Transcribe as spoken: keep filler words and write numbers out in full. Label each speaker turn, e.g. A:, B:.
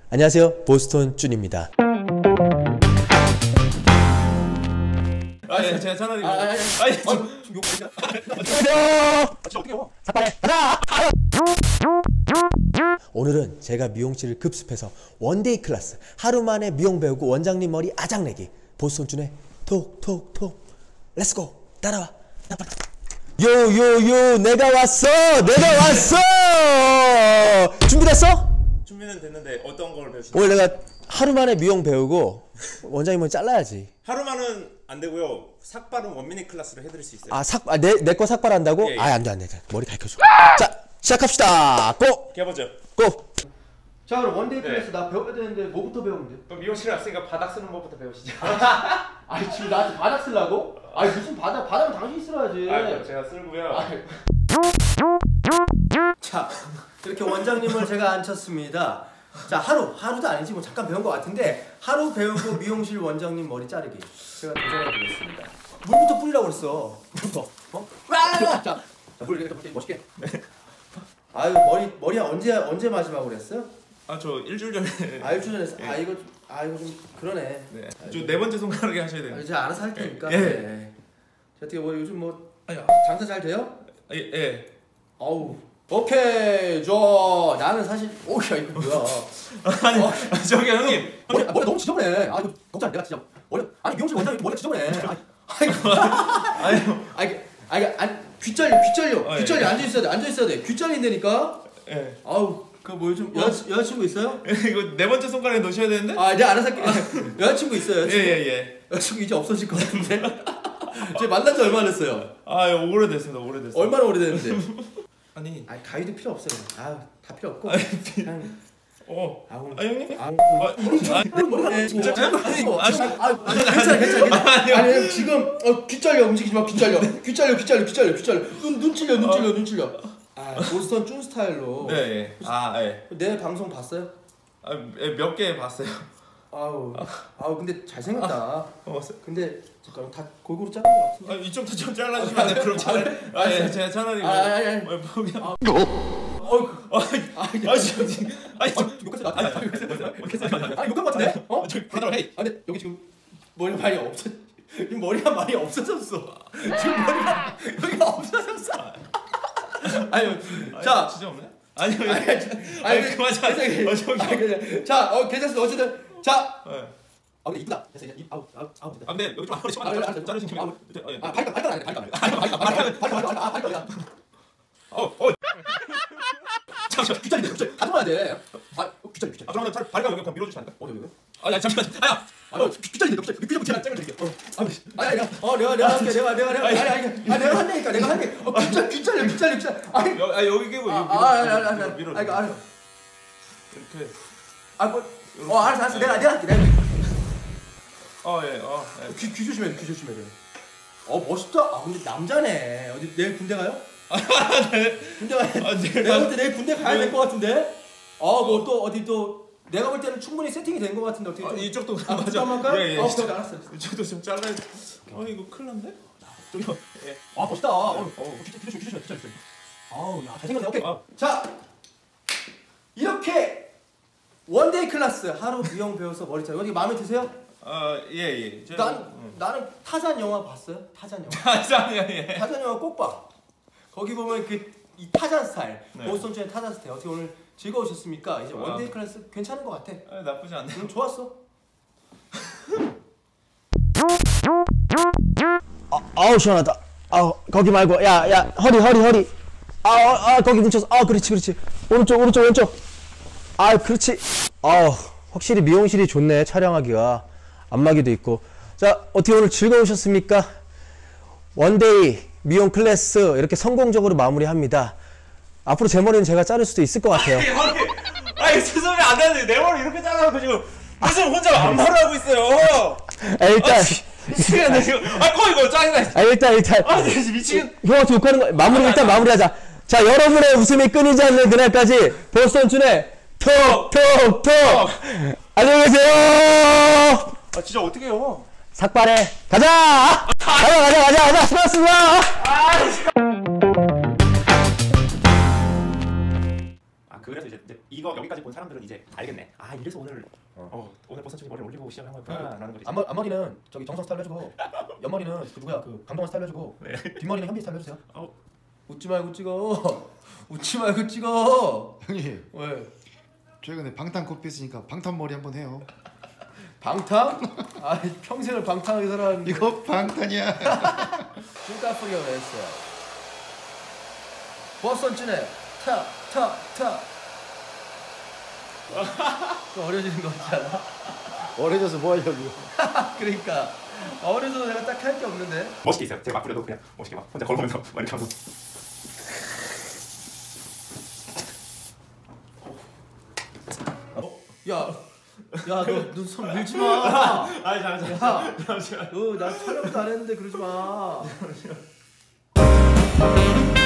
A: 안녕하세요, 보스턴 준입니다.
B: 아, 예, 제가 전화드리고. 아, 아, 아, 아, 지금 욕 보이냐?
A: 안녕하세요. 진짜 어떻게 해? 삭발해. 가자. 오늘은 제가 미용실을 급습해서 원데이 클래스 하루 만에 미용 배우고 원장님 머리 아작내기 보스턴 준의 톡톡톡 렛츠고 따라와. 요요요 내가 왔어 내가 왔어. 준비됐어?
B: 준비는 됐는데 어떤 걸 배우시나요?
A: 오늘 내가 하루 만에 미용 배우고 원장님 머리 잘라야지.
B: 하루만은 안 되고요. 삭발은 원미닛 클래스로 해드릴 수 있어요.
A: 아, 삭, 아, 내, 내 거 삭발한다고?
B: 예, 예.
A: 아, 안 돼, 안 돼. 머리 가르쳐줘. 자, 시작합시다. 고!
B: 해보죠.
A: 고!
C: 자, 그럼 원데이
B: 네.
C: 클래스 나 배워야 되는데 뭐부터 배우면 돼?
B: 그럼 미용실에 왔으니까 바닥 쓰는 법부터 배우시죠.
C: 아니 지금 나한테 바닥 쓰려고? 아니 무슨 바닥, 바닥은 당신이 쓸어야지.
B: 아, 제가 쓸고요.
C: 자, 이렇게 원장님을 제가 앉혔습니다. 자, 하루, 하루도 아니지 뭐 잠깐 배운 것 같은데 하루 배우고 미용실 원장님 머리 자르기 제가 도전해 보겠습니다. 물부터 뿌리라고 그랬어. 물부터. 어? 자, 자, 물 이렇게 멋있게. 아유, 머리 머리 언제 언제 마지막으로 했어요?
B: 아, 저 일주일 전에.
C: 아, 일주일 전에 했어.
B: 예.
C: 아, 이거 좀, 아, 이거 좀 그러네.
B: 네. 저 네 번째 손가락에 하셔야
C: 아,
B: 돼요.
C: 이제 알아서 할 테니까.
B: 예.
C: 네. 자, 어떻게 뭐 요즘 뭐 장사 잘 돼요?
B: 예, 예.
C: 어우. 오케이, 저 나는 사실 오야 이거 뭐야?
B: 아니,
C: 어.
B: 아, 저기 형님.
C: 머리 머리 너무 지저분해. 아 이거 걱정 내가 진짜 머리 아니 미용실 원장님 머리가 지저분해. 아니 아니 아니 아니 아니 귀 잘려 귀 잘려
B: 어,
C: 귀
B: 예.
C: 잘려 앉아 있어야 돼 앉아 있어야 돼 귀 잘린다니까.
B: 예.
C: 아우 그 뭐 요즘 여 여자친구 있어요?
B: 이거 네 번째 손가락에 넣으셔야 되는데?
C: 아 내가 알아서 할게. 여자친구 있어요? 여자친구?
B: 예, 예, 예.
C: 여자친구 이제 없어질 것 같은데. 제 만난 지 얼마나 됐어요?
B: 아, 오래됐습니다. 오래됐어요.
C: 얼마나 오래됐는데?
B: 아니.
C: 아 가위도 필요 없어요. 아다 필요 없고.
B: 아니,
C: 그냥
B: 어.
C: 아우.
B: 아, 형님?
C: 아,
B: 아,
C: 머리가 진짜
B: 아니,
C: 아, 괜찮아, 괜찮아.
B: 아니요.
C: 아니 지금 어, 귀 잘려 움직이지 마, 귀 잘려, 귀 잘려, 귀 잘려, 귀 잘려, 귀 잘려. 눈, 눈 찔려, 눈 찔려, 눈 찔려. 아, 보스턴 준 스타일로.
B: 네, 예. 아, 예.
C: 내 방송 봤어요?
B: 아, 몇 개 봤어요.
C: 아우, 아우 근데 잘생겼다.
B: 어, 봤어요.
C: 근데 잠깐 다 골고루 자른 것 같은데.
B: 아, 이쪽도 좀 잘라주시면 안 돼요? 그럼 잘. 아, 예, 제가 차라리.
C: 아, 아니, 아니.
B: 뭐, 포기. 아,
C: 어,
B: 아, 아, 지금, 아니, 저,
C: 욕했어 나. 아니, 욕했어. 아니 욕한 것 같은데? 어?
B: 저, 받아라, 헤이.
C: 아, 근데 여기 지금 머리가 많이 없어. 이 머리가 많이 없어졌어. 지금 머리가 여기가 없어졌어. 아니, 자,
B: 진짜 없네? 아니요,
C: 아니,
B: 아니,
C: 아니,
B: 그만 자. 어, 저기.
C: 아니, 그냥, 자, 어, 괜찮습니다. 어쨌든, 자,
B: 네.
C: 아, 근데 이쁘다. 됐어, 이제 입, 아우, 아우, 아우, 됐다.
B: 아, 근데 여기 좀 앞으로
C: 아, 알았어, 알았어.
B: 자르신 김에.
C: 아,
B: 어, 예.
C: 아, 발가락, 발가락 아니야, 발가락. 발가락, 발가락, 발가락, 아, 발가락.
B: 어, 어.
C: 잠시만, 귀찮은데, 귀찮. 가져가야 돼. 아, 귀찮, 귀찮.
B: 아, 그러면 잘 발가락 여기 그냥 밀어주시면 안 돼요?
C: 어디, 어디?
B: 아, 야, 잠시만. 아야.
C: 아, 귀찮은데, 귀찮. 귀찮, 제가 짱을 드릴게요. 어, 아니, 아니, 어, 내가, 내가 할게, 내가, 내가, 내가, 아니, 아니, 아, 내가 한다니까, 내가 할게. 어, 귀찮, 귀찮려, 귀찮려, 귀찮. 아니,
B: 여, 아, 여기 끼고
C: 아,
B: 여기
C: 아, 아니, 아니, 아니,
B: 밀어.
C: 아니, 알았어.
B: 이렇게.
C: 아, 뭐, 어, 알았어, 알았어. 내가, 내가 할게, 내가.
B: 어, 예, 어. 예.
C: 귀, 귀 조심해, 귀 조심해. 어, 멋있다. 아, 근데 남자네. 어디 내일 군대 가요? 군대 가야.
B: 아, 내가-
C: 내가 볼 때 내일 군대 가야 될 것 같은데. 아, 뭐 또 어디 또 내가 볼 때는 충분히 세팅이 된 것 같은데 어떻게
B: 아,
C: 좀.
B: 이쪽도
C: 아,
B: 맞아.
C: 한번 할까요?
B: 예, 예.
C: 어, 그래, 알았어.
B: 이쪽도 좀 잘라야 돼. 어, 이거 큰일 났네? 저기요. 예.
C: 아, 멋있다. 어,
B: 어.
C: 어, 귀 조심, 귀 조심, 귀 조심. 아우, 야, 잘생겼네. 오케이.
B: 아.
C: 자, 이렇게 원데이 클래스 하루 미용 배워서 머리 자르고 이게 마음에 드세요?
B: 어, 예, 예. 저,
C: 난
B: 음.
C: 나는 타잔 영화 봤어요? 타잔 영화.
B: 타잔이요, 예.
C: 타잔 영화 꼭 봐. 거기 보면 그 이 타잔 스타일,
B: 네.
C: 보스턴 준의 타잔 스타일. 어떻게 오늘 즐거우셨습니까? 이제
B: 아.
C: 원데이 클래스 괜찮은 것 같아.
B: 아, 나쁘지 않네.
C: 응, 좋았어.
A: 아, 아우, 시원하다. 아우, 거기 말고. 야, 야, 허리, 허리, 허리. 아, 아, 아 거기 뭉쳐서. 아, 그렇지, 그렇지. 오른쪽, 오른쪽, 왼쪽. 아, 그렇지. 아우, 확실히 미용실이 좋네, 촬영하기가. 안마기도 있고. 자, 어떻게 오늘 즐거우셨습니까? 원데이 미용 클래스 이렇게 성공적으로 마무리합니다. 앞으로 제 머리는 제가 자를 수도 있을 것 같아요.
B: 아니, 아니, 아니, 죄송해요. 안 되는데. 내 머리 이렇게 잘라놓고 지금 무슨 혼자 안마를 하고 있어요.
A: 아, 일단.
B: 미치겠네, 지금. 아, 꺼, 이거 짜증나.
A: 아, 일단, 일단.
B: 아, 진짜 미치겠.
A: 형한테 욕하는 거, 마무리, 일단 마무리하자. 자, 여러분의 웃음이 끊이지 않는 그날까지 보스턴 준의 톡, 톡, 톡! 안녕히 계세요!
B: 아, 진짜 어떻게 해요?
A: 삭발해. 가자! 가자, 가자, 가자, 가자! 수고하셨습니다!
C: 아,
B: 그래서 이제, 이제 이거 여기까지 본 사람들은 이제 알겠네. 아 이래서 오늘 어, 어 오늘 버선충이 머리 올리고 시작한 거구나라는 거지.
C: 앞머, 앞머리는 저기 정성 스타일로 해주고 옆머리는 그 누구야 그 강동원 스타일로 해주고
B: 네.
C: 뒷머리는 현빈 스타일로 해주세요.
B: 어.
C: 웃지 말고 찍어. 웃지 말고 찍어.
D: 형님
C: 왜?
D: 최근에 방탄 코피 했으니까 방탄머리 한번 해요.
C: 방탕? 아 평생을 방탕하게 살았는데
D: 이거 방탄이야.
C: 눈까풀이가 왜 했어요? 버선진의 탁탁탁 좀 어려지는 거 같지 않아?
D: 어려져서 뭐 하려고.
C: 그러니까 어려서 내가 딱 할 게 없는데
B: 멋있게 있어요. 제가 막 부려도 그냥 멋있게 막 혼자 걸으면서 막 이렇게 하고.
C: 야, 야, 너 눈썹 밀지 마.
B: 아니 잠시만.
C: 야,
B: 잠시만.
C: 너 나 촬영도 안 했는데 그러지 마.